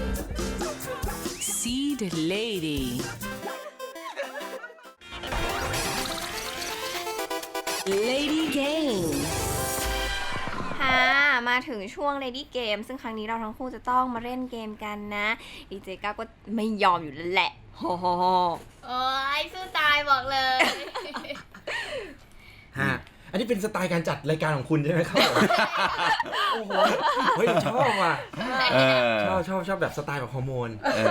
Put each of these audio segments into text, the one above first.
Seed Lady Lady Game ค่ะมาถึงช่วง Lady Game ซึ่งครั้งนี้เราทั้งคู่จะต้องมาเล่นเกมกันนะดีเจก้าก็ไม่ยอมอยู่แล้วแหละโอ้โหโอ้ยสู้ตายบอกเลยฮะอันนี้เป็นสไตล์การจัดรายการของคุณใช่ไหมครับ โอ้โหเฮ้ยชอบว่ะชอบแบบสไตล์แบบฮอร์โมน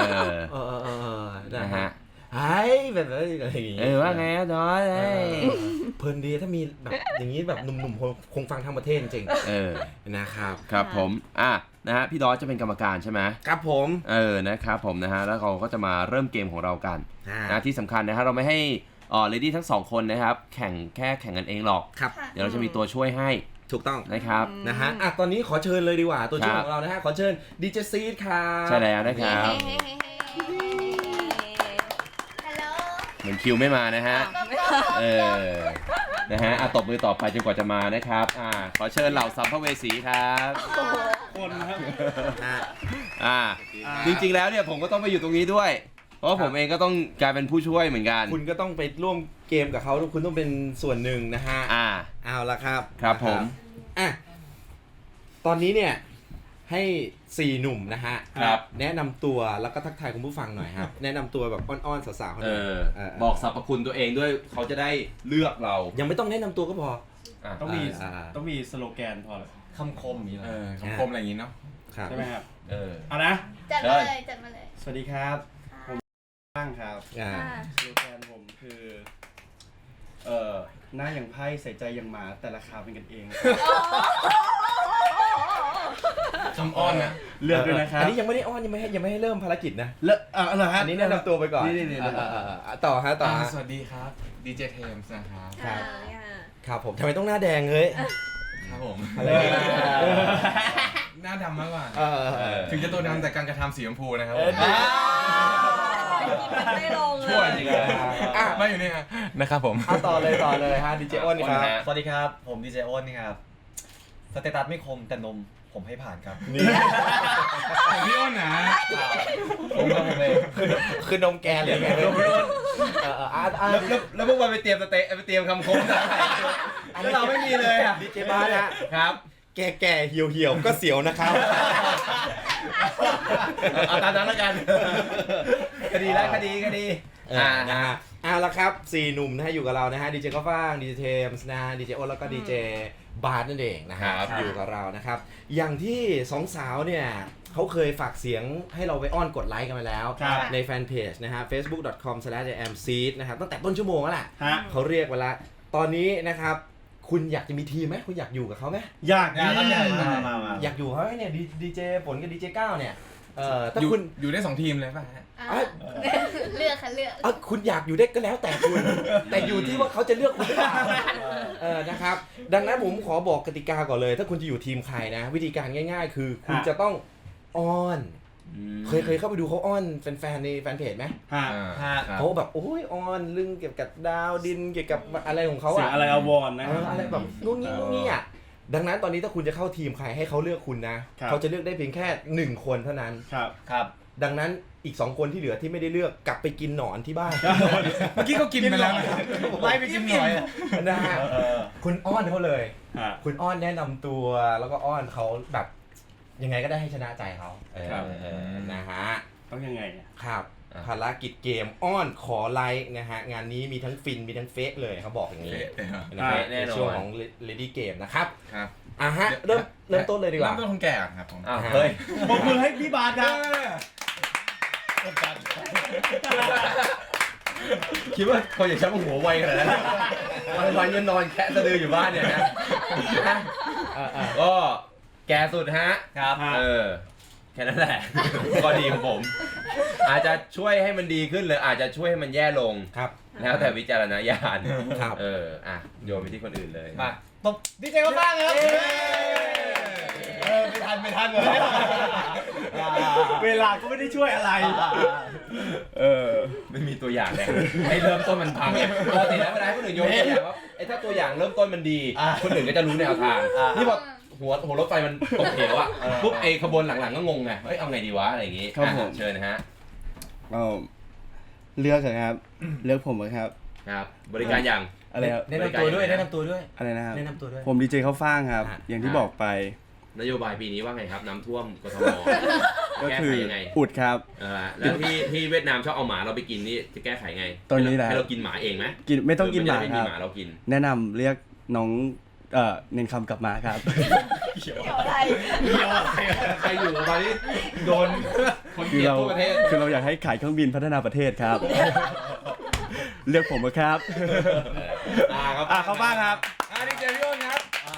นะฮะไอ้แบบอะไรอย่างงี้ว่าไงดอยเพลินดีถ้ามีแบบอย่างนี้แบบหนุ่มๆคงฟังทั้งประเทศจริงนะครับครับผมนะฮะพี่ดอยจะเป็นกรรมการใช่ไหมครับผมนะครับผมนะฮะแล้วเราก็จะมาเริ่มเกมของเรากันนะที่สำคัญนะฮะเราไม่ให้เลดี้ทั้งสองคนนะครับแข่งกันเองหรอกเดี๋ยวเราจะมีตัวช่วยให้ถูกต้องนะครับนะฮะตอนนี้ขอเชิญเลยดีกว่าตัวช่วยของเรานะฮะขอเชิญดีเจซีดครับใช่แล้วนะครับเหมือนคิวไม่มานะฮะนะฮะตบมือต่อไปจนกว่าจะมานะครับขอเชิญเหล่าสัมภเวสีครับคนครับจริงๆแล้วเนี่ยผมก็ต้องไปอยู่ตรงนี้ด้วยเพราะผมเองก็ต้องกลายเป็นผู้ช่วยเหมือนกันคุณก็ต้องไปร่วมเกมกับเขาคุณต้องเป็นส่วนหนึ่งนะฮะเอาละครับครับผมตอนนี้เนี่ยให้4หนุ่มนะฮะครับแนะนำตัวแล้วก็ทักทายคุณผู้ฟังหน่อยครับแนะนำตัวแบบอ้อนๆสาวๆเขาหน่อยบอกสรรพคุณตัวเองด้วยเขาจะได้เลือกเรายังไม่ต้องแนะนำตัวก็พอต้องมีสโลแกนพอคำคมอย่างนี้นะคำคมอะไรอย่างนี้เนาะใช่ไหมครับเอานะจัดมาเลยสวัสดีครับผมบ้างครับสโลแกนผมคือหน้าอย่างไพ่ใส่ใจอย่างหมาแต่ราคาเป็นกันเองคำอ้อนนะเลือกด้วยนะครับอันนี้ยังไม่ได้อ้อนยังไม่ให้เริ่มภารกิจนะอะไรฮะอันนี้แนะนำตัวไปก่อนต่อฮะสวัสดีครับดีเจเทมส์นะครับครับผมทำไมต้องหน้าแดงเฮ้ยครับผมอะไรหน้าดำมากกว่าถึงจะตัวดำแต่การกระทำสีชมพูนะครับไม่ลงช่วยจริงเลยมาอยู่นี่นะครับผมต่อเลยฮะดีเจอ้นนี่ครับสวัสดีครับผมดีเจอ้นนี่ครับสเตตัสไม่คมแต่นมผมให้ผ่านครับนี่พี่อ้นนะผมเองคือนมแกหรือไงแล้วพวกมันไปเตรียมคำคมแล้วเราไม่มีเลยอ่ะดีเจบ้านครับแก่เหี่ยวก็เสียวนะครับเอาตามนั้นแล้วกันคดีนะฮะเอาละครับ4หนุ่มนะฮะอยู่กับเรานะฮะดีเจก็ฟ้างดีเจเทมส์นะฮะดีเจอ้นแล้วก็ดีเจบาร์นั่นเองนะครับอยู่กับเรานะครับอย่างที่2สาวเนี่ยเขาเคยฝากเสียงให้เราไปอ้อนกดไลค์กันมาแล้วในแฟนเพจนะฮะ facebook.com/amseed นะครับตั้งแต่ต้นชั่วโมงแล้วแหละเขาเรียกไว้แล้วตอนนี้นะครับคุณอยากจะมีทีมไหมคุณอยากอยู่กับเขาไหมอยากอยากอยู่เขาไหมเนี่ยดีเจฝนกับดีเจก้าวเนี่ยถ้าคุณอยู่ได้2ทีมเลยป่ะฮะเลือกคุณอยากอยู่ได้ก็แล้วแต่คุณแต่อยู่ที่ว่าเขาจะเลือกคุณหรือเปล่านะครับดังนั้นผมขอบอกกติกาก่อนเลยถ้าคุณจะอยู่ทีมใครนะวิธีการง่ายๆคือคุณจะต้องอ้อนเคยเข้าไปดูเขาอ้อนแฟนๆในแฟนเพจไหมเขาแบบโอ้ยอ้อนเรื่องเกี่ยวกับดาวดินเกี่ยวกับอะไรของเขาอะอะไรอวรนะอะไรแบบนู่นนี่อ่ะดังนั้นตอนนี้ถ้าคุณจะเข้าทีมใครให้เขาเลือกคุณนะเขาจะเลือกได้เพียงแค่1คนเท่านั้นครับดังนั้นอีก2คนที่เหลือที่ไม่ได้เลือกกลับไปกินหนอนที่บ้านเมื่อกี้เขากินไปแล้วไล่ไปกินหน่อยนะฮะคุณอ้อนเขาเลยคุณอ้อนแนะนำตัวแล้วก็อ้อนเขาแบบยังไงก็ได้ให้ชนะใจเขานะฮะต้องยังไงครับภารกิจเกมอ้อนขอไลค์นะฮะงานนี้มีทั้งฟินมีทั้งเฟกเลยเขาบอกอย่างนี้ในช่วงของ Lady Game นะครับฮะเริ่มต้นเลยดีกว่าเริ่มต้นคนแก่ครับผมเฮ้ยปรบมือให้พี่บาสครับคิดว่าคนอย่างฉันมันหัวไวขนาดนั้นวันๆยังนอนแคะสะดืออยู่บ้านเนี่ยนะก็แก่สุดฮะครับแค่นั้นแหละก็ดีของผมอาจจะช่วยให้มันดีขึ้นหรืออาจจะช่วยให้มันแย่ลงครับแล้วแต่วิจารณญาณครับโยนไปที่คนอื่นเลยมาตบดีเจก็บ้างครับไม่ทันเลยเวลาก็ไม่ได้ช่วยอะไรไม่มีตัวอย่างเลยให้เริ่มต้นมันพังปกติแล้วเวลาให้คนอื่นโยนตัวอย่างว่าถ้าตัวอย่างเริ่มต้นมันดีคนอื่นก็จะรู้แนวทางนี่พอหัวรถไฟมันตกเหวอ่ะปุ๊บไอ้ขบวนหลังๆก็งงไงเอ้ยเอาไงดีวะอะไรอย่างงี้ครับผมเชิญนะฮะเลือกเถอะครับ เลือกผมครับครับบริการอย่างอะไรครับแนะนำตัวด้วยแนะนำตัวด้วยอะไรนะครับแนะนำตัวด้วยผมดีเจข้าวฟ่างครับอ่ะอย่างที่บอกไปนโยบายปีนี้ว่าไงครับน้ำท่วมกทมก็แก้คืไขอยังไงอุดครับแล้วที่เวียดนามชอบเอาหมาเราไปกินนี่จะแก้ไขไงตอนนี้แหละให้เรากินหมาเองไหมกินไม่ต้องกินหมาไม่คมีรับหมาเรากินแนะนำเรียกน้องเน้นคำกลับมาครับเกี่ยวอะไรใครอยู่ตอนนี้โดนคนเกลียดทั่วประเทศคือเราอยากให้ขายเครื่องบินพัฒนาประเทศครับ เลือกผมครับครับเขาบ้างครับดีเจพี่อ้นครับ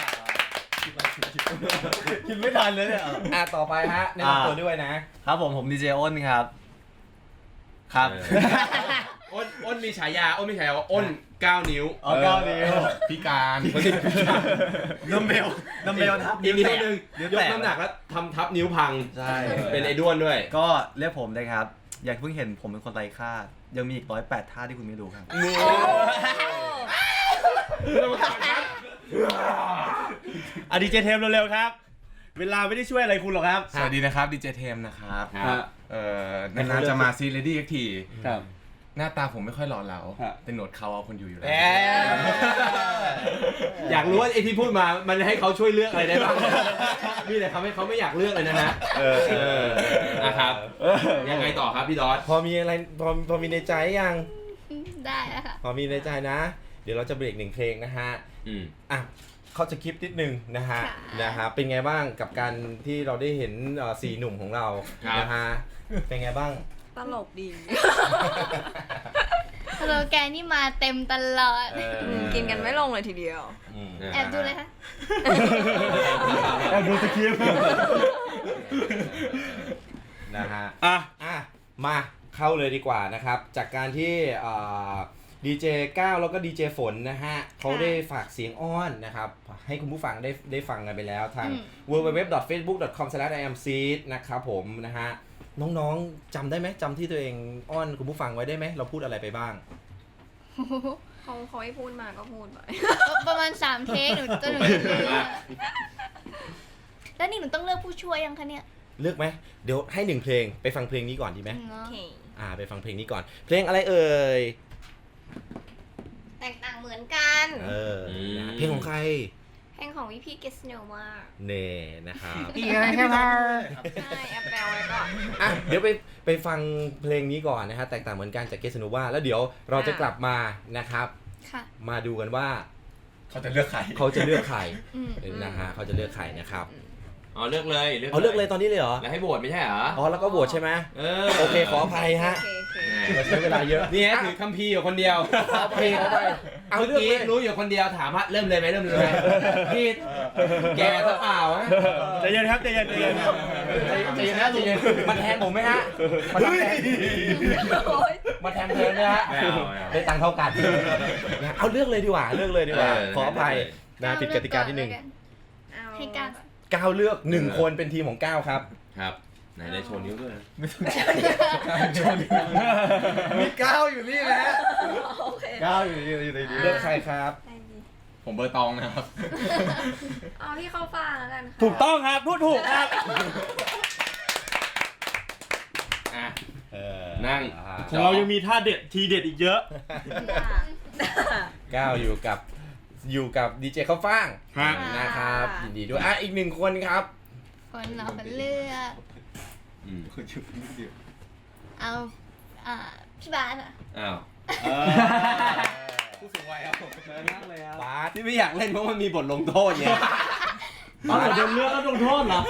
กินไม่ทันเลยเนี่ยต่อไปฮะแนะนำตัวด้วยนะครับผมดีเจอ้นครับ ครับอ้นมีฉายาอ้นมีฉายาว่าอ้น9 นิ้วอ๋อ9 นิ้วพิการดัมเบลทับอีกนิ้วนึงนิ้วยกแตกน้ำหนักแล้วทำทับนิ้วพังใช่เป็นไอ้ด้วนด้วยก็เรียกผมเลยครับ อย่าเพิ่งเห็นผมเป็นคนไร้ค่า ยังมีอีก108ท่าที่คุณไม่รู้ครับดีเจเทมเร็วๆครับ เวลาไม่ได้ช่วยอะไรคุณหรอกครับสวัสดีนะครับดีเจเทมนะครับครับนานๆจะมาซีเรดี้อีกทีครับหน้าตาผมไม่ค่อยหล่อเหลาครับแต่หนวดเขาเอาคนอยู่แล้วอยากรู้ว่าไอ้ที่พูดมามันให้เขาช่วยเลือกอะไรได้บ้างมีแต่ทำให้เขาไม่อยากเลือกเลยนะฮะนะครับ ยังไงต่อครับพี่ดอสพอมีอะไรพอมีในใจยังได้แล้วค่ะพอมีในใจนะ เดี๋ยวเราจะเบรกหนึ่งเพลงนะฮะ อ่ะเขาจะคลิปนิดนึงนะฮะ นะฮะ เป็นไงบ้างกับการที่เราได้เห็น4 หนุ่มของเรานะฮะ เป็นไงบ้างตลกดีสโลแกนนี่มาเต็มตลอดกินกันไม่ลงเลยทีเดียวแอบดูเลยค่ะแอบดูสคริปต์นะฮะ อ่ะ มาเข้าเลยดีกว่านะครับ จากการที่ดีเจก้าวแล้วก็ดีเจฝนนะฮะเขาได้ฝากเสียงอ้อนนะครับ ให้คุณผู้ฟังได้ฟังกันไปแล้วทาง www.facebook.com/iamseed นะครับผมนะฮะ น้องๆจำได้ไหมจำที่ตัวเองอ้อนคุณผู้ฟังไว้ได้ไหมเราพูดอะไรไปบ้างเขาให้พูดมาก็พูดไปประมาณ3 เทคหนูจะหนูแล้วนี่หนูต้องเลือกผู้ช่วยยังคะเนี่ยเลือกไหมเดี๋ยวให้1 เพลงไปฟังเพลงนี้ก่อนดีไหมเนาะไปฟังเพลงนี้ก่อน เพลงอะไรเอ่ยแตกต่างเหมือนกันนะเพลงของใครเพลงของพี่เกสโนมาเน่นะครับใช่แอปแปลไว้ก่อนอ่ะเดี๋ยวไปฟังเพลงนี้ก่อนนะฮะแตกต่างเหมือนกันจากเกสโนวาแล้วเดี๋ยวเราจะกลับมานะครับค่ะมาดูกันว่าเขาจะเลือกใครเขาจะเลือกใครอืมนะฮะเขาจะเลือกใครนะครับเลือกเลยเอาเลือกเลยตอนนี้เลยเหรอแล้วให้โหวตไม่ใช่เหรอแล้วก็โหวตใช่ไหม โอเคขออภัยฮะโอเคเราใช้เวลาเยอะนี่ฮะถือคัมภีร์อยู่คนเดียวเอาเพลงเข้าไปเอาเมื่อเลือกกี้เลยรู้อยู่คนเดียวถามว่าเริ่มเลยไหมพี่แกซะเปล่าฮะใจเย็นครับใจเย็นใจเย็นนะใจเย็นมาแทนผมไหมฮะมาทำแทนมาแทนเพลงนะฮะไม่เอาได้ตังค์เท่ากันเอาเลือกเลยดีกว่าเลือกเลยดีกว่าเออขออภัยนะผิดกติกาที่หนึ่งเอาให้การก้าวเลือก1 คนเป็นทีมของก้าวครับครับไหนได้โชว์นิ้วด้วยนะมีก้าวอยู่นี่นะฮะโอเคก้าวอยู่ในนี้เลือกใครครับผมเบอร์ตองนะครับเอาที่เข้าฟ้าแล้วกันค่ะถูกต้องครับพูดถูกครับอ่ะนั่งของเรายังมีท่าเด็ดทีเด็ดอีกเยอะก้าวอยู่กับดีเจข้าวฟ่างนะครับยินดีด้วยอีก1 คนครับคนเราเป็นเลือกเอาพี่บาสอะอ้าวผู้สูงวัยครับผมบาสที่ไม่อยากเล่นเพราะมันมีบทลงโทษไงบาสโดนเลือกแล้วโดนโทษเหรอ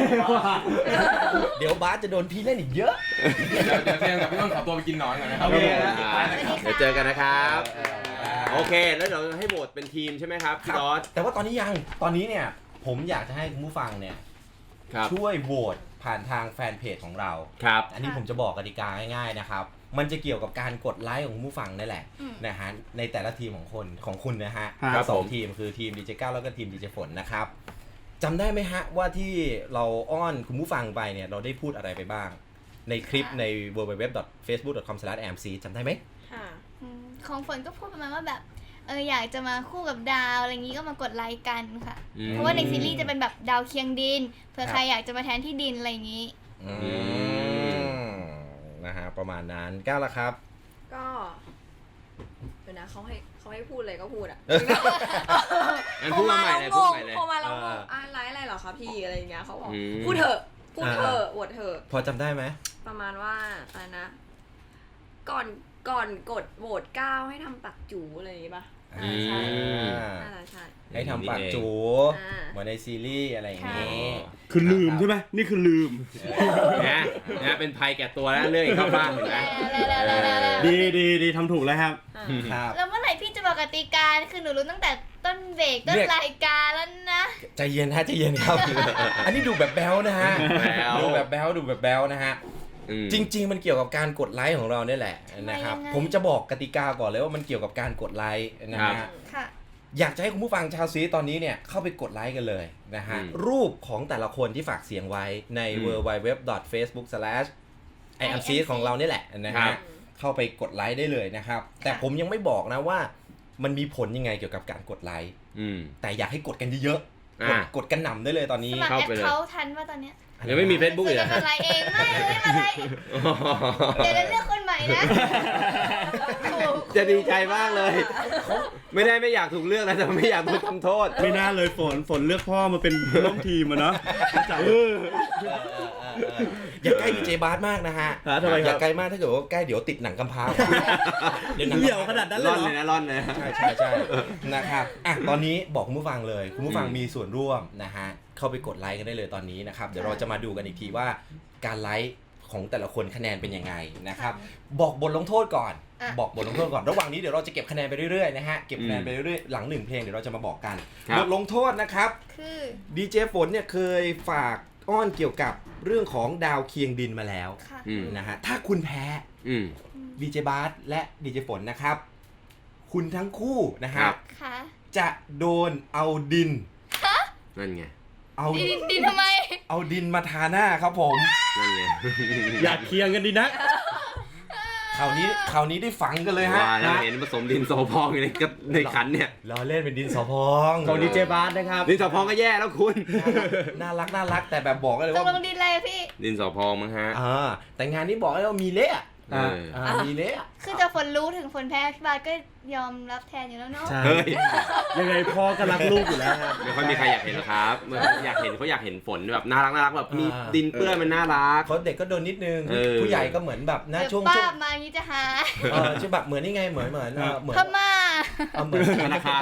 เดี๋ยวบาสจะโดนพี่เล่นอีกเยอะเดี๋ยวเทมกับพี่ต้นขอตัวไปกินนอนก่อนนะครับโอเคนะเดี๋ยวเจอกันนะครับ โอเค แล้วเดี๋ยวให้โหวตเป็นทีมใช่ไหมครับพี่ดอสแต่ว่าตอนนี้เนี่ยผมอยากจะให้คุณผู้ฟังเนี่ยครับช่วยโหวตผ่านทางแฟนเพจของเราครับอันนี้ผมจะบอกกติกาง่ายๆนะครับ มันจะเกี่ยวกับการกดไลค์ของผู้ฟังนั่นแหละนะฮะในแต่ละทีมของคุณนะฮะครับสองผมทีมคือทีมดีเจก้าวแล้วก็ทีมดีเจฝนนะครับจำได้ไหมฮะว่าที่เราอ้อนคุณผู้ฟังไปเนี่ยเราได้พูดอะไรไปบ้าง ในคลิปใน www.facebook.com/amc จำได้ไหมค่ะของฝนก็พูดประมาณว่าแบบอยากจะมาคู่กับดาวอะไรอย่างนี้ก็มากดไลค์กันค่ะอืมเพราะว่าในซีรีส์จะเป็นแบบดาวเคียงดินเผื่อใครอยากจะมาแทนที่ดินอะไรอย่างนี้นะฮะประมาณนั้นก้าวละครับก็เดี๋ยวนะเขาให้พูดอะไรก็พูดอ่ะงั้นพูดมาใหม่เลยพูดใหม่เลยพอมาแล้วงงไลฟ์อะไรเหรอคะพี่อะไรอย่างเงี้ยเขาบอกอืมพูดเถอะโหวตเถอะพอจำได้ไหมประมาณว่าอะไรนะ ก่อนกดโหวต9ให้ทำปักจูอะไรอย่างงี้ป่ะอืมใช่น่าจะใช่ให้ทำปากจูอ่าเหมือนในซีรีส์อะไรอย่างนี้คือลืมใช่ไหมนี่คือลืมนะเป็นภัยแก่ตัวแล้วเรื่องอีกเข้าบ้านเห็นไหมดีทำถูกแล้วครับครับแล้วเมื่อไหร่พี่จะบอกกติกาคือหนูรู้ตั้งแต่ต้นเบรกต้นรายการแล้วนะใจเย็นฮะใจเย็นครับ อันนี้ดูแบบแบ๊วนะฮะแบ๊วดูแบบแบ๊วนะฮะอืมจริง ๆ มันเกี่ยวกับการกดไลค์ของเราเนี่ยแหละนะครับยังไงผมจะบอกกติกาก่อนเลยว่ามันเกี่ยวกับการกดไลค์นะฮะค่ะอยากจะให้คุณผู้ฟังชาวซีตอนนี้เนี่ยเข้าไปกดไลค์กันเลยนะฮะ รูปของแต่ละคนที่ฝากเสียงไว้ใน www.facebook/iamc ของเราเนี่ยแหละนะครัฮะบเข้าไปกดไลค์ได้เลยนะครับ แต่ผมยังไม่บอกนะว่ามันมีผลยังไงเกี่ยวกับการกดไลค์อืมแต่อยากให้กดกันเยอะๆอ่ากดกันหน่ำได้เลยตอนนี้สมัครเข้าแอไปคเลยเขาทันว่าตอนเนี้ยยังไม่มี Facebook อีกเหรจะอมาไลน์เองไม่เลยมาไลน์เดี๋ยวเราเลือกคนใหม่นะจะดีใจมากเลย ไม่ได้ไม่อยากถูกเลือกนะแต่ไม่อยากถูกทำโทษไม่น่าเลยฝนเลือกพ่อมาเป็นร่วมทีมอะเนาะอย่าใกล้ดีเจบาสมากนะฮะทำไมครับอย่าใกล้มากถ้าเกิดว่าใกล้เดี๋ยวติดหนังกำพร้าเดี๋ยวหนังเหี่ยวขนาดนั้นเลยร่อนเหรเลยอนะร่อนเลยใช่นะครับอ่ะตอนนี้บอกคุณผู้ฟังเลยคุณผู้ฟังมีส่วนร่วมนะฮะเข้าไปกดไลค์กันได้เลยตอนนี้นะครับเดี๋ยวเราจะมาดูกันอีกทีว่าการไลค์ของแต่ละคนคะแนนเป็นยังไงนะครับบอกบทลงโทษก่อนอ่ะบอกบทลงโทษก่อนระหว่างนี้เดี๋ยวเราจะเก็บคะแนนไปเรื่อยๆนะฮะเก็บคะแนนไปเรื่อยๆหลัง1เพลงเดี๋ยวเราจะมาบอกกันครับบทลงโทษนะครับคือดีเจฝนเนี่ยเคยฝากอ้อนเกี่ยวกับเรื่องของดาวเคียงดินมาแล้วค่ะอืมนะฮะถ้าคุณแพ้อืมดีเจบาสและดีเจฝนนะครับ คุณทั้งคู่นะฮะครับค่ะจะโดนเอาดินนั่นไงเอาดินทำไมเอาดินมาทาหน้าครับผมนั่นไงอยากเคียงกันดีนะคราวนี้ได้ฝังกันเลยฮะว่าแล้วเห็นผสมดินโซพองอยู่ในขันเนี่ยเราเล่นเป็นดินสอพองของดีเจบาสนะครับดินโซพองก็แย่แล้วคุณน่ารักแต่แบบบอกกันเลยตกว่าลงดินอะไรอะพี่ดินโซพองมั้งฮะแต่งานนี้บอกเลยว่ามีเละเออมีเละคือจะฝนรู้ถึงฝนแพ้พี่บาสก็ยอมรับแทนอยู่แล้วเนาะใช่เฮ้ยยังไงพ่อก็รักลูกอยู่แล้วครับไม่ค่อยมีใครอยากเห็นหรอกครับอยากเห็นเขาอยากเห็นฝนแบบน่ารักแบบมีดินเปื้อนมันน่ารักเขาเด็กก็โดนนิดนึงเออผู้ใหญ่ก็เหมือนแบบนะเดี๋ยวช่วงป้ามาอย่างนี้จะหาช่วงแบบเหมือนนี่ไงเหมือนเหมือนพม่าเหมือนธนาคาร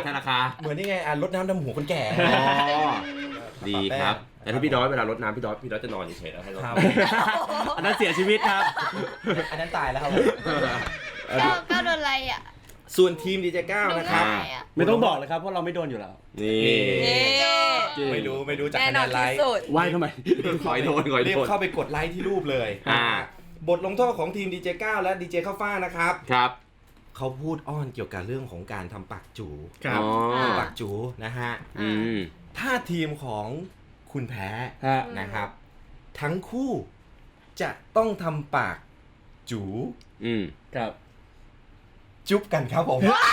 เหมือนนี่ไงรดน้ำดำหัวคนแก่อ๋อดีครับ แต่ถ้าพี่ด้อยเวลารดน้ำพี่ด้อยจะนอนเฉยๆแล้วให้รดครับอันนั้นเสียชีวิตครับอันนั้นตายแล้วครับก้าวโดนอะไรอ่ะส่วนทีมดีเจก้านะครับโดนอะไรอ่ะไม่ต้องบอกเลยครับเพราะเราไม่โดนอยู่แล้วนี่ไม่รู้จากแน่คะนแนอนนไลที่ค์สุดไหว้ทำไมขอยโดนรีบเข้าไปกดไลค์ที่รูปเลยอ่าบทลงโทษของทีมดีเจก้าและดีเจข้าวฟ่างนะครับครับเขาพูดอ้อนเกี่ยวกับเรื่องของการทำปากจูครับอ๋อปากจูนะฮะอืมถ้าทีมของคุณแพ้ฮะนะครับ ทั้งคู่จะต้องทำปากจูอืมครับจุ๊บกันครับผม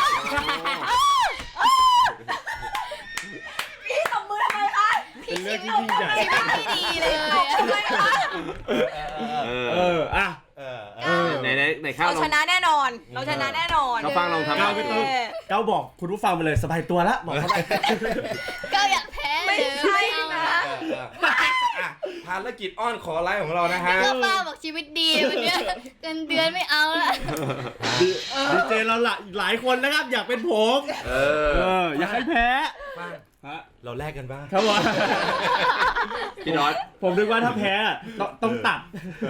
เป็นเรื่องที่ยิ่งใหญ่ไม่ดีเลยอะอ่ะในข้าวเราลองชนะแน่นอน เราชนะแน่นอนเขาฟังลองทำก้าวไม่ต้องก้าวบอกคุณผู้ฟังไปเลยสบายตัวละบอกเขาไปก็อยากแพ้ไม่เลยใช่เอานะอ่ะภารกิจอ้อนขอไลค์ของเรานะฮะก็ป้าบอกชีวิตดีวันเนี้ยเงินเดือนไม่เอาละดีเจเราหลายคนนะครับ อยากเป็นผมเออยากให้แพ้ ฮะเราแลกกันบ้างครับผมพี่ด้อยผมนึกว่าถ้าแพ้ต้องตัด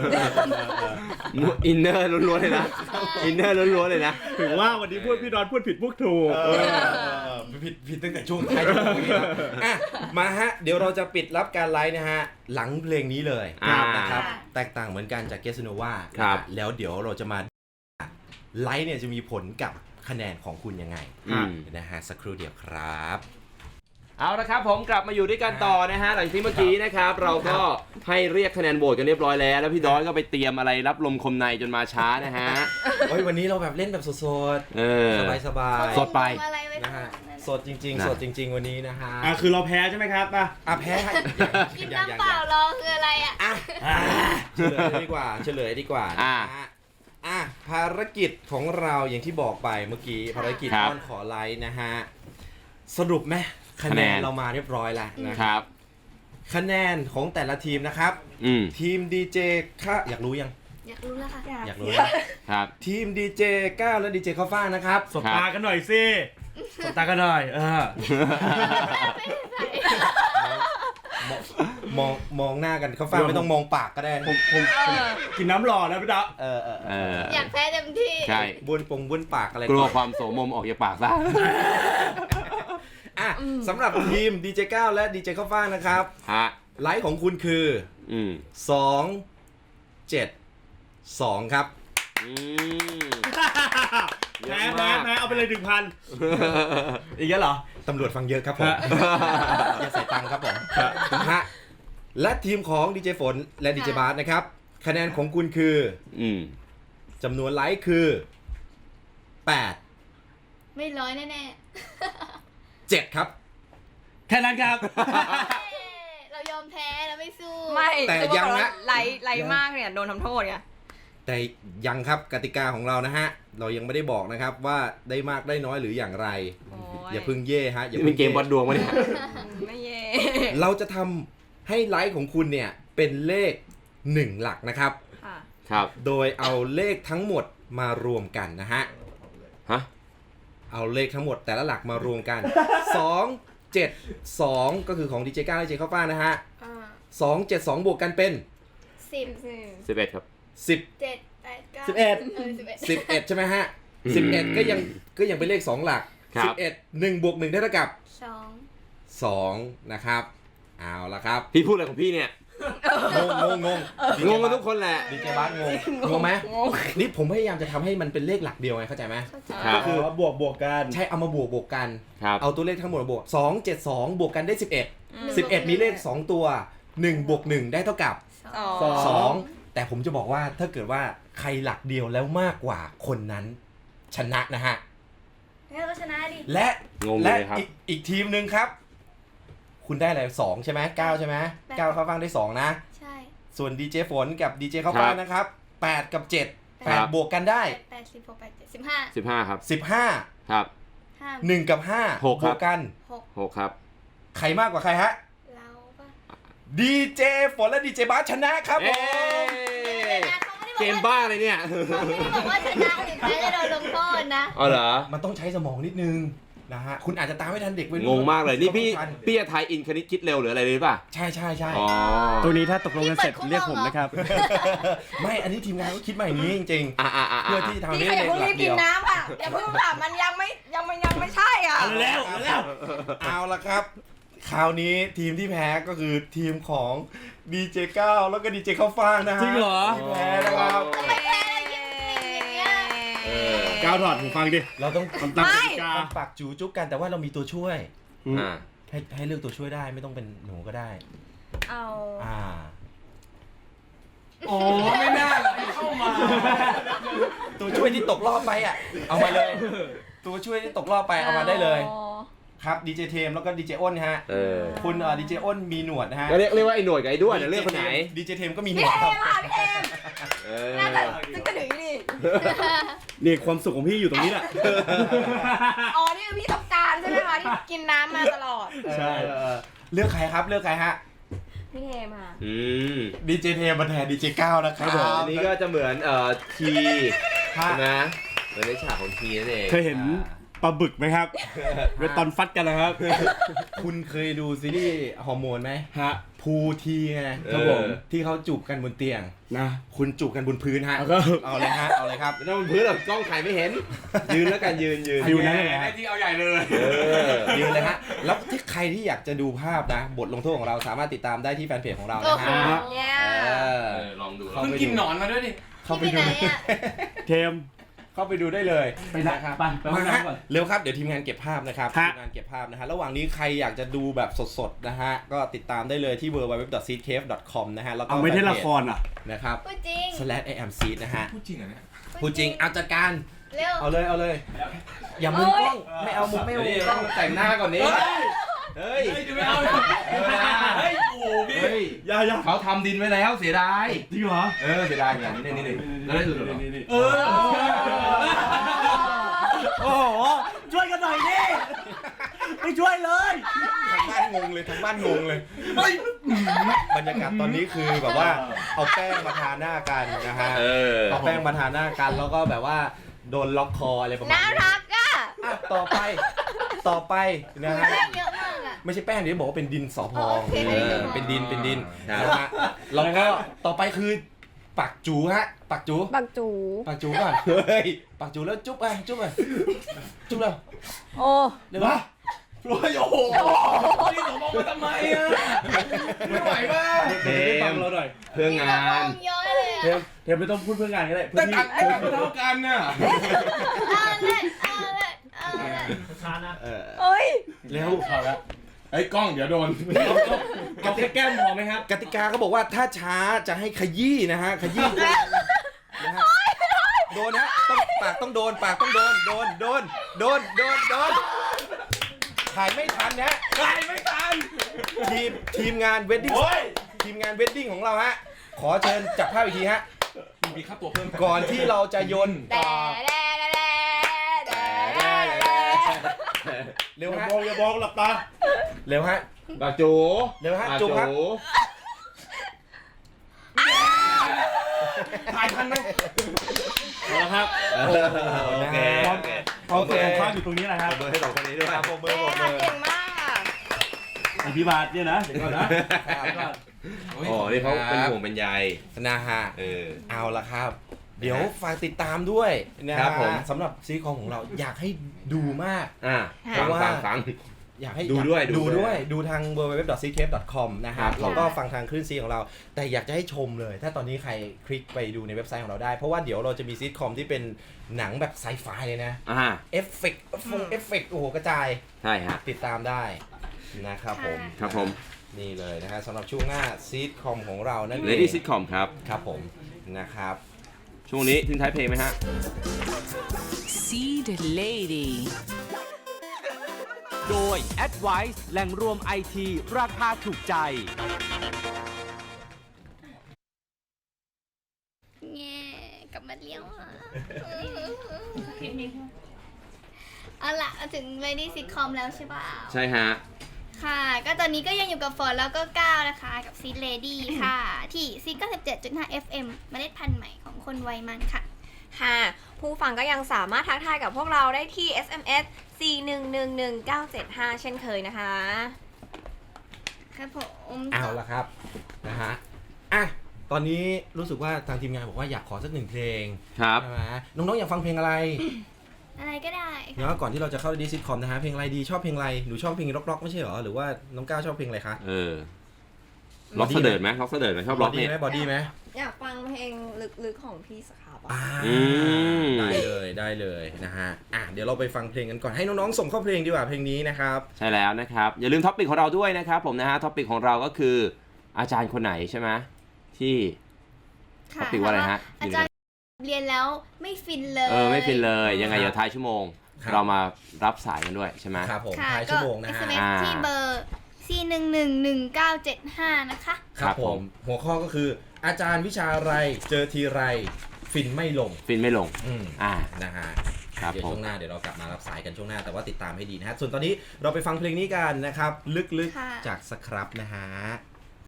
อินเนอร์ล้วนๆเลยนะ อินเนอร์ล้วนๆเลยนะถึงว่าวันนี้พี่ดอนพูดผิดพูดถูกผิดตั้งแต่ช่วงท้ายช่วงนี้ครับอ่ะมาฮะ เดี๋ยวเราจะปิดรับการไลฟ์นะฮะ หลังเพลงนี้เลยอ่านนะครับ แตกต่างเหมือนกันจากเกสโนวาครับแล้วเดี๋ยวเราจะมาไลฟ์เนี่ยจะมีผลกับคะแนนของคุณยังไงอืมนะฮะสักครู่เดียวครับเอาละครับผมกลับมาอยู่ด้วยกันต่อนะฮะหลังที่เมื่อกี้นะครับ เราก็ให้เรียกคะแนนโหวตกันเรียบร้อยแล้ว แล้วพี่ดอยก็ไปเตรียมอะไรรับลมคมในจนมาช้านะฮะเฮ้ยวันนี้เราแบบเล่นแบบสดเออๆ สบายสดไปอะไรไว้นะฮะสดจริงๆสดจริง ๆ วันนี้นะฮะคือเราแพ้ใช่ไหมครับแพ้ให้กินน้ำเปล่ารอคืออะไรอ่ะเฉลยดีกว่านะฮะภารกิจของเราอย่างที่บอกไปเมื่อกี้ภารกิจอ้อนขอไลค์นะฮะสรุปไหมคะแนนเรามาเรียบร้อยแล้วนะครับคะแนนของแต่ละทีมนะครับทีมดีเจอยากรู้ยังอยากรู้แล้วค่ะอยากรู้นะครับทีมดีเจก้าวและดีเจข้าวฟ่างนะครับสบตากันหน่อยสิสบตากันหน่อยมองหน้ากันข้าวฟ่างไม่ต้องมองปากก็ได้ผมกินน้ำหล่อแล้วพี่ดะอยากแพ้เต็มที่ใช่บ้วนปากอะไรกลัวความโสมมออกจากปากซะสำหรับทีมดีเจก้าวและดีเจข้าวฟ่างนะครับไลค์ของคุณคือ272ครับแพ้เอาไปเลย 1,000 อีกแล้วเหรอตำรวจฟังเยอะครับผมอย่าใส่ตังค์ครับผมและทีมของดีเจฝนและดีเจบาสนะครับคะแนนของคุณคือจำนวนไลค์คือ8 ไม่ร้อยแน่ 7ครับแค่นั้นครับเรายอมแพ้เราไม่สู้ไม่แต่ยังนะไลค์มากเนี่ยโดนทำโทษไงแต่ยังครับกติกาของเรานะฮะเรายังไม่ได้บอกนะครับว่าได้มากได้น้อยหรืออย่างไรอย่าพึ่งเย่ฮะอย่าพึ่งเกมวัดดวงมาเนี่ยไม่เย่เราจะทำให้ไลค์ของคุณเนี่ยเป็นเลข1หลักนะครับครับโดยเอาเลขทั้งหมดมารวมกันนะฮะเอาเลขทั้งหมดแต่ละหลักมารวมกัน2 7 2ก็คือของดีเจก้าวและดีเจข้าวฟ่างนะฮะ2 7 2บวกกันเป็น 11ครับ 7 8 9 11ใช่ไหมฮะ11ก็ยังเป็นเลข2หลัก11 1บวก1ได้เท่ากับ2นะครับเอาละครับพี่พูดอะไรของพี่เนี่ยงงกันทุกคนแหละดีเจบาสงงไหมนี่ผมพยายามจะทำให้มันเป็นเลขหลักเดียวไงเข้าใจไหมก็คือบวกกันใช่เอามาบวกกันเอาตัวเลขทั้งหมดมาบวก2 7 2บวกกันได้11มีเลข2ตัว1บวก1ได้เท่ากับ2แต่ผมจะบอกว่าถ้าเกิดว่าใครหลักเดียวแล้วมากกว่าคนนั้นชนะนะฮะงั้นก็ชนะดิและอีกทีมหนึ่งครับคุณได้อะไร2ใช่ไหม9ใช่ไหม9ข้าวฟ่างได้2นะใช่ส่วนดีเจฝนกับดีเจข้าวฟ่างนะครับ8กับ7 8บวกกันได้ 8 10 6 8 7 15ครับ 15 ครับ 1กับ5บวกกัน 6ครับใครมากกว่าใครฮะดีเจฝนและดีเจบาสชนะครับผมเกมบ้าเลยเนี่ยไม่บอกว่าชนะหรือแพ้จะโดนลงโทษนะอ๋อเหรอมันต้องใช้สมองนิดนึงนะฮะคุณอาจจะตามไม่ทันเด็กวัยรุ่นงงมากเลยนี่พี่จะทายอินคณิตคิดเร็วหรืออะไรเลยป่ะใช่ตัวนี้ถ้าตกลงกันเสร็จเรียกผมนะครับไม่อันนี้ทีมงานก็คิดมาอย่างนี้จริงๆเพื่อที่ทำให้เด็กหลักเดียวกินน้ำค่ะอย่าเพิ่งค่ะมันยังไม่ใช่อ่ะแล้วเอาละครับคราวนี้ทีมที่แพ้ก็คือทีมของดีเจก้าวแล้วก็ดีเจข้าวฟ่างนะฮะจริงเหรอแพ้นะครับก้าวถอดหูฟังดิเราต้องปากจูจุ๊กกันแต่ว่าเรามีตัวช่วยให้เลือกตัวช่วยได้ไม่ต้องเป็นหนูก็ได้โอ้ไม่น่าเข้ามาตัวช่วยที่ตกรอบไปเอามาเลยตัวช่วยที่ตกรอบไปเอามาได้เลยครับดีเจเทมแล้วก็ดีเจอ้นฮะคุณดีเจอ้นมีหนวดนะฮะเรียกว่าไอ้หนวดกับไอ้ด้วนเลือกคนไหนดีเจเทมก็มีหนวดครับน่าจะกระดึงนี่ความสุขของพี่อยู่ตรงนี้แหละอ๋อนี่คือพี่ต้องการใช่ไหมคะที่กินน้ำมาตลอดใช่เลือกใครครับเลือกใครฮะพี่เทมค่ะดีเจเทมมาแทนดีเจก้าวนะครับอันนี้ก็จะเหมือนทีนะเหมือนในฉากของทีนั่นเองเคยเห็นปลาบึกไหมครับเวลาตอนฟัดกันนะครับคุณเคยดูซีรีส์ฮอร์โมนไหมฮะพูทีไงครับผมที่เขาจูบกันบนเตียงนะคุณจูบกันบนพื้นฮะเอาเลยฮะเอาเลยครับไม่ต้องบนพื้นหรอกกล้องถ่ายไม่เห็นยืนแล้วกันยืนนั่นแหละที่เอาใหญ่เลยยืนเลยฮะแล้วที่ใครที่อยากจะดูภาพนะบทลงโทษของเราสามารถติดตามได้ที่แฟนเพจของเรานะฮะลองดูคุณกินหนอนมาด้วยดิเข้าไปดูเทมเข้าไปดูได้เลยไปนะนะครับไปห้องมาฮะน้ำก่อนเร็วครับเดี๋ยวทีมงานเก็บภาพนะครับฮะทีมงานเก็บภาพนะฮะระหว่างนี้ใครอยากจะดูแบบสดๆนะฮะก็ติดตามได้เลยที่ www.seedcave.com นะฮะแล้วก็เอาไม่ได้ละครอ่ะนะครับพูดจริง /iamseed นะฮะพูดจริงเหรอเนี่ยพูดจริงเอาจัดการเร็วเอาเลยอย่ามุมกล้องไม่เอามุมไม่เอามุมกล้องแต่งหน้าก่อนนี้เฮ้ยไม่เอาเฮ้ยโอ้พี่เฮ้ยอย่าเขาทำดินไว้แล้วเสียดายจริงเหรอเสียดายอย่างนี้นี่แล้วได้ดูหรอเออโอ้โหช่วยกันหน่อยดิไม่ช่วยเลยทางบ้านงงเลยบรรยากาศตอนนี้คือแบบว่าเอาแป้งมาทาหน้ากันนะฮะเอาแป้งมาทาหน้ากันแล้วก็แบบว่าโดนล็อกคออะไรประมาณน่านี้รักอ่ะอ่ะต่อไปนะฮะแป้งเยอะมากอ่ะไม่ใช่แป้งเดี๋ยวบอกว่าเป็นดินสอพองโอเคเป็นดินเป็นดินนะฮะแล้วก็ต่อไปคือปักจูฮะปักจูบักจูปักจูก่อนเฮ้ยปักจูแล้วจุ๊บจุ๊บแล้วโอ้เดี๋ยวนะโอ้ยโอ้โหนี่หนูมองมาทำไมอ่ะไม่ไหวป่ะเดี๋ยวได้ฟังเราหน่อยเพื่องานเยอะเลยเทอ่ะมไม่ต้องพูดเพื่องานก็ได้แต่ตัดไม่เท่ากันน่ะเอาเลยเอ้ยเร็วไอ้กล้องเดี๋ยวโดนเอาแค่แก้มพอไหมครับกติกาเขาบอกว่าถ้าช้าจะให้ขยี้นะฮะขยี้นะฮะโดนนะต้องปากต้องโดนปากต้องโดนถ่ายไม่ทันนะถ่ายไม่ทันทีมงานเวดดิ้งของเราฮะขอเชิญจับภาพอีกทีฮะมีค่าตัวเพิ่มก่อนที่เราจะโยนแต่แดเร็วอย่าฮะมองอย่ามองหลับตาเร็วฮะบาจูเร็วฮะจุ๊บครับถ่ายทันไหมเอาละครับโอเคพร้อมตัวข้างอยู่ตรงนี้แหละครับเบอร์ให้สองคนนี้ด้วยครับผมเบอร์เก่งมากอ่ะอภิบาลเนี่ยนะเดี๋ยวก่อนนะอ๋อนี่เขาเป็นห่วงเป็นใยนะฮะเอาละครับ เดี๋ยวฝากติดตามด้วยนะครับผมสำหรับซีรีส์ของเราอยากให้ดูมากฟังอยากให้ดูด้วยดูทาง www.seedcave.com นะฮะครับแล้วก็ฟังทางคลื่นซีของเรา แต่อยากจะให้ชมเลย ถ้าตอนนี้ใครคลิกไปดูในเว็บไซต์ของเราได้ เพราะว่าเดี๋ยวเราจะมีซีรีส์คอมที่เป็นหนังแบบไซไฟเลยนะ เอฟเฟกต์โอ้โหกระจายใช่ฮะติดตามได้นะครับผมครับผมนี่เลยนะฮะสำหรับช่วงหน้าซีรีส์คอมของเรานั่นเอง Lady Sitcom ครับครับผมนะครับช่วงนี้ทิ้งท้ายเพลงไหมฮะ Seed Lady โดย Advice แหล่งรวมไอทีราคาถูกใจแง่กลับมาเลี้ยวอ่ะเอาล่ะมาถึง Lady Sitcom แล้วใช่ป่ะใช่ฮะค่ะ ก็ตอนนี้ก็ยังอยู่กับฝนแล้วก็ก้าวนะคะ กับซีดเลดี้ค่ะ ที่ซีด97.5 FM เมล็ดพันธุ์ใหม่ของคนวัยมันค่ะค่ะ ผู้ฟังก็ยังสามารถทักทายกับพวกเราได้ที่ SMS 4111975 เช่นเคยนะคะครับผมเอาละครับนะฮะอ่ะตอนนี้รู้สึกว่าทางทีมงานบอกว่าอยากขอสักหนึ่งเพลงครับใช่ไหมน้องๆอยากฟังเพลงอะไรอะไรก็ได้เนาะก่อนที่เราจะเข้าดีซิทคอมนะฮะเพลงอะไรดีชอบเพลงอะไรหนูชอบเพลงร็อกๆไม่ใช่เหรอหรือว่าน้องก้าวชอบเพลงอะไรคะล็อกเสดิร์ดไหมล็อกเสดิร์ดไหมชอบล็อกเนี่ยบอดี้ไหมอยากฟังเพลงลึกๆของพี่สครับอ่ะได้เลยนะฮะอ่ะเดี๋ยวเราไปฟังเพลงกันก่อนให้น้องๆส่งเข้าเพลงดีกว่าเพลงนี้นะครับใช่แล้วนะครับ อย่าลืมท็อปปิกของเราด้วยนะครับผมนะฮะท็อปปิกของเราก็คืออาจารย์คนไหนใช่ไหมที่ท็อปปิกว่าอะไรฮะอาจารย์เรียนแล้วไม่ฟินเลยไม่ฟินเลยยังไงเดี๋ยวท้ายชั่วโมง เรามารับสายกันด้วยใช่ไหมครับผมค่ะท้ายก็ชั่วโมงนะฮะ SMS ที่เบอร์ 4111975 นะคะครับผมหัวข้อก็คืออาจารย์วิชาอะไรเจอทีไรฟินไม่ลง นะฮะครับเดี๋ยวผมช่วงหน้าเดี๋ยวเรากลับมารับสายกันช่วงหน้าแต่ว่าติดตามให้ดีนะฮะส่วนตอนนี้เราไปฟังเพลงนี้กันนะครับลึกค่ะๆจากสครับนะฮะ